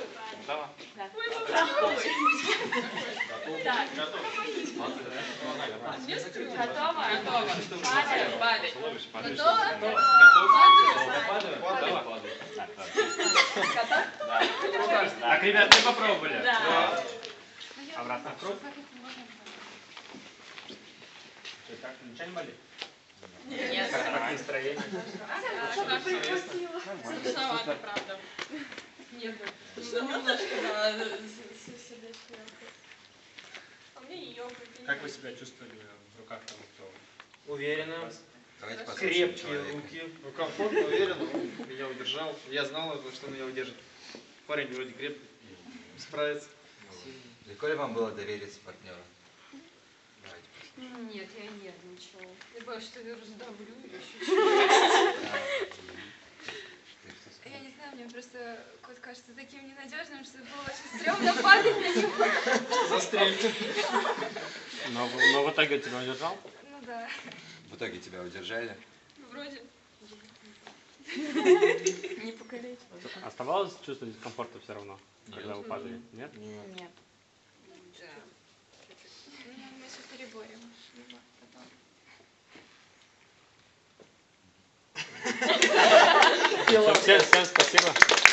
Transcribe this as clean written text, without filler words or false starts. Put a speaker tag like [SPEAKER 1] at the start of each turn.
[SPEAKER 1] Готова?
[SPEAKER 2] Да.
[SPEAKER 1] Так.
[SPEAKER 2] Готова?
[SPEAKER 1] Падаем.
[SPEAKER 2] Падай.
[SPEAKER 1] Готова?
[SPEAKER 2] Готова?
[SPEAKER 1] Так, ребят, мы попробовали.
[SPEAKER 2] Да.
[SPEAKER 1] Обратно в круг. Как, ничего не болит?
[SPEAKER 2] Нет.
[SPEAKER 1] Как настроение?
[SPEAKER 2] Страшновато, правда. Нет. Немножко, да, сердечко. А мне ее.
[SPEAKER 1] Как вы себя чувствовали в руках того, кто?
[SPEAKER 3] Уверенно.
[SPEAKER 4] Крепкие руки. Ну, комфортно, уверенно. Он меня удержал. Я знал, что он меня удержит. Парень вроде крепкий. Справится.
[SPEAKER 5] Легко ли вам было довериться партнеру?
[SPEAKER 2] Нет, я нервничала. Я боюсь, что я раздавлю или еще что-то.
[SPEAKER 6] Я не знаю, мне просто кот кажется таким ненадежным, что было очень стрёмно падать на него.
[SPEAKER 4] Застрельте.
[SPEAKER 1] Но в итоге тебя удержал?
[SPEAKER 6] Ну да,
[SPEAKER 5] В итоге тебя удержали?
[SPEAKER 6] вроде. Не покалечь.
[SPEAKER 1] Оставалось чувство дискомфорта все равно, когда вы падали? Нет?
[SPEAKER 2] Нет.
[SPEAKER 6] Да. Ну, мы сейчас переборем. Потом.
[SPEAKER 1] Всем спасибо.